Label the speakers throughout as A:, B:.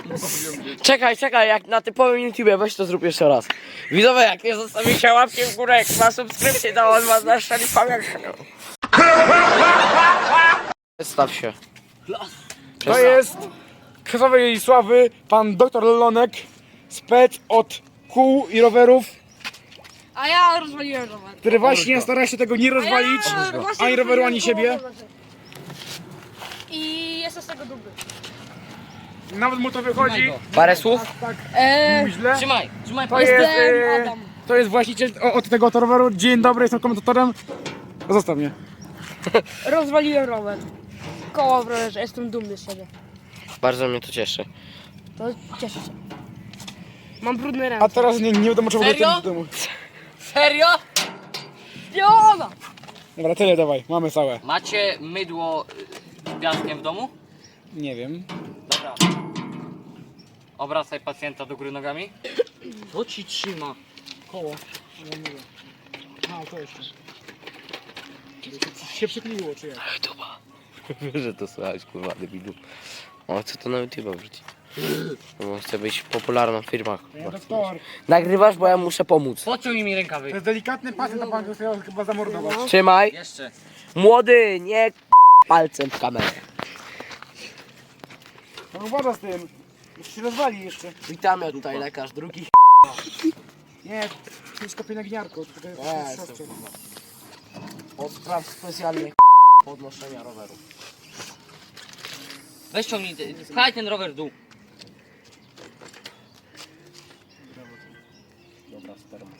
A: Czekaj, jak na typowym YouTubie, weź to zrób jeszcze raz. Widzowie, jak nie zostawicie łapki w górę, jak ma subskrypcję, to on was zaszczeli pamiętkę. Przedstaw się.
B: To jest krzesowej sławy pan doktor Lonek, spec od kół i rowerów,
C: A ja rozwaliłem rower.
B: który właśnie stara się tego nie rozwalić, ani roweru, ani siebie.
C: I jestem z tego dumny.
B: Nawet mu to wychodzi.
A: Parę słów?
B: Tak,
C: Eee,
B: źle.
A: Trzymaj.
B: To jest,
C: Jestem Adam.
B: to jest właściciel od tego roweru. Dzień dobry, jestem komentatorem. Zostaw mnie.
C: Rozwaliłem rower. Koło w rowerze, jestem dumny z siebie.
A: Bardzo mnie to cieszy.
C: To cieszę się. Mam brudne
B: A
C: ręce.
B: teraz nie wiadomo czemu
A: Serio?
B: do domu.
A: Serio?
C: Jona!
B: Dobra, tyle dawaj, mamy całe.
A: Macie mydło z piaskiem w domu?
B: Nie wiem.
A: Dobra. Obracaj pacjenta do góry nogami. To ci trzyma.
B: Koło. A, to jeszcze. Się przykleiło, czy jak?
A: YouTube'a. Wiesz, że to słychać, kurwa, debilu. O, chcę to na YouTube'a wrzucić. Bo chcę być popularną w firmach.
B: Panie doktor,
A: Nagrywasz, bo ja muszę pomóc. Pociągnij mi rękawy.
B: to jest delikatny pacjent, a pan go chciał chyba zamordować.
A: Trzymaj.
D: Jeszcze.
A: Młody, nie palcem w kamerę.
B: No uważa z tym. Jeszcze się rozwali jeszcze.
A: Witamy tutaj lekarz drugi.
B: Nie, to jest pielęgniarko. To jest siostrze.
A: Od spraw specjalnych podnoszenia roweru.
D: Weź ciągnij, pchaj ten rower w dół.
A: Dobra, sperma.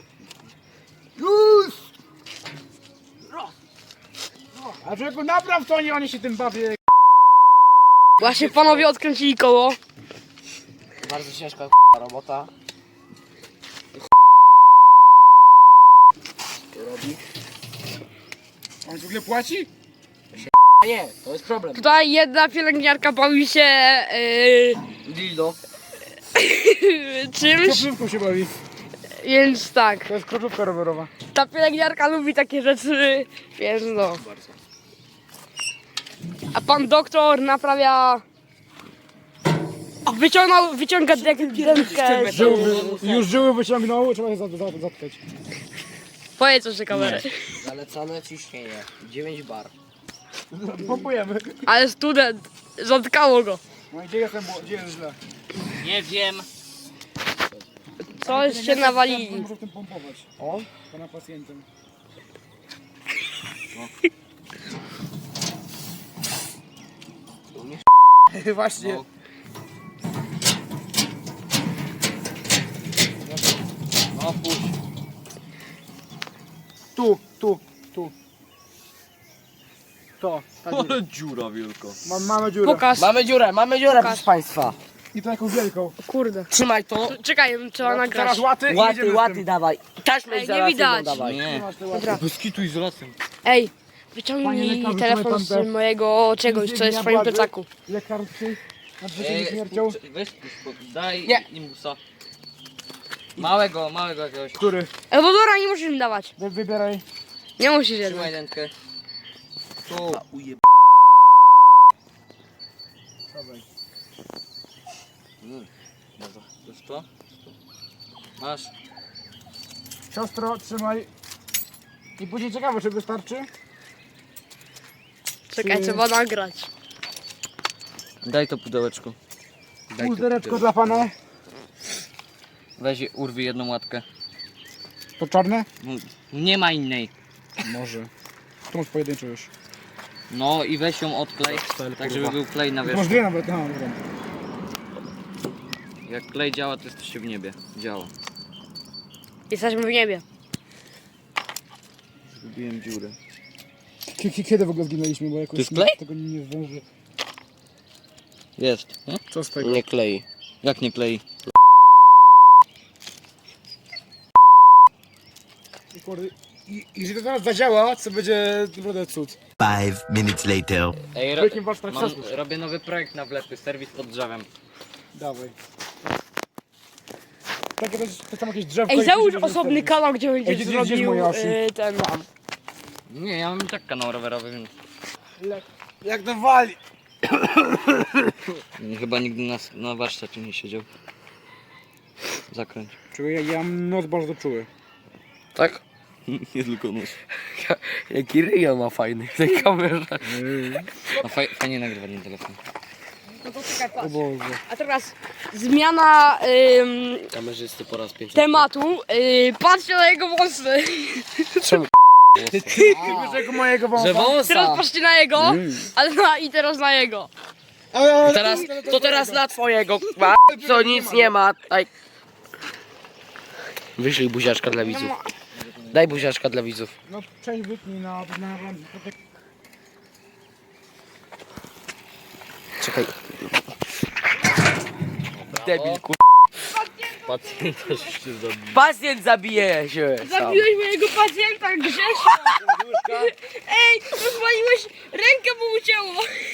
B: A człowieku, napraw to, nie oni się tym bawią.
C: Właśnie panowie odkręcili koło.
A: Bardzo ciężka robota. Robi.
B: On w ogóle płaci?
A: A nie, to jest problem.
C: Tutaj jedna pielęgniarka bawi się
A: Dildo.
C: czymś,
B: Kroplówką się bawi.
C: więc tak.
B: To jest kroplówka rowerowa.
C: Ta pielęgniarka lubi takie rzeczy, więc no. A pan doktor naprawia... Wyciąga dętkę.
B: Już żyły wyciągnął, trzeba je zatkać.
C: Powiedz coś na kamerę.
A: Zalecane ciśnienie. 9 bar.
B: Pompujemy.
C: Ale student, zatkało go.
B: No i gdzie jestem, gdzie jest źle?
D: Nie wiem.
C: Coś się nawalili.
B: Muszę w tym pompować.
A: O?
B: Pana pacjentem. Właśnie.
D: No. No puść.
B: Tu. To. Tak jest.
D: Ale dziura wielka.
B: Mamy dziurę.
C: Pokaż.
A: Mamy dziurę, proszę państwa.
B: I to taką wielką.
C: Kurde.
A: Trzymaj to.
C: Czekaj, trzeba nagrać.
B: Teraz łaty i
A: Łaty,
B: jedziemy z
A: łaty
B: tym.
A: dawaj. Taśmę
C: Ej, nie
A: izolacyjną
C: widać.
A: dawaj.
D: Nie.
B: Masz te łaty.
C: Dobra.
D: Bez kitu izolacją.
C: Ej,
B: Panie
C: wyciągnij
B: lekarzu,
C: telefon
B: pan
C: z
B: te-
C: mojego czegoś, co jest w twoim plecaku.
B: Lekarski. Nad życiem i śmiercią.
D: Weź, daj
A: Nie.
D: imbusa. Małego jakiegoś.
B: Który?
C: Ewodora nie musisz mi dawać.
B: Wybieraj.
C: Nie musisz
D: Trzymaj
C: jednak.
D: dętkę. Tu.
B: Dawaj.
D: Dobra, to jest to. Masz.
B: Siostro, trzymaj. I później ciekawe, czy wystarczy.
C: Czekaj, trzeba nagrać.
D: Daj to pudełeczko.
B: Pudereczko dla pana.
D: Weź urwij jedną łatkę.
B: To czarne?
D: Nie ma innej.
B: Może. Tu masz pojedynczo już.
D: No i weź ją odklej, tak żeby był klej na
B: Tu masz
D: wierzchu.
B: dwie nawet. Aha, dobra.
D: Jak klej działa, to jesteście w niebie. Działa.
C: Jesteśmy w niebie.
D: Zgubiłem dziurę.
B: Kiedy w ogóle zginęliśmy, bo jakoś
D: To jest klej?
B: tego nie zdąży.
D: Jest. Nie?
B: Co z tego?
A: Nie klei.
D: Jak nie klei?
B: I jeżeli to teraz zadziała, to będzie naprawdę cud.
E: 5 minutes later.
D: Ej,
B: W jakim warsztat
D: mam,
B: chcesz?
D: robię nowy projekt na wlepy, serwis pod drzewem.
B: Dawaj. Takie to tam jakieś drzewko.
C: Ej,
B: i
C: załóż
B: później
C: osobny
B: zrobić.
C: kanał, gdzie
B: Ej,
C: będziesz
B: gdzie
C: zrobił
B: moje osi?
C: ten...
D: Nie, ja mam i tak kanał rowerowy, więc...
B: Jak to wali?
D: Chyba nigdy na warsztacie nie siedział. Zakręć.
B: Czuję, ja mam nos bardzo czuły.
A: Tak?
D: Nie tylko nóż.
A: Jaki ryjo ma fajny w tej kamerze.
D: No fajnie nagrywa ten telefon.
C: No to czekaj, patrz.
B: O Boże.
C: A teraz zmiana
A: Kamerzysty po raz 500.
C: tematu. Patrzcie na jego włosy.
A: Czemu?
B: Tego mojego wąsa.
A: Że wąsa!
C: Teraz patrzcie na jego, ale i teraz na jego.
A: Teraz na twojego, k***a. Co nic nie ma. Daj. Wyślij buziaczka dla widzów. Daj buziaczka dla widzów.
B: No cześć, wytnij na
A: Czekaj. Debil, kur... Pacjent zabije się sam.
C: Zabiłeś mojego pacjenta Grzesia. Ej, rozwaliłeś rękę, mu ucięło.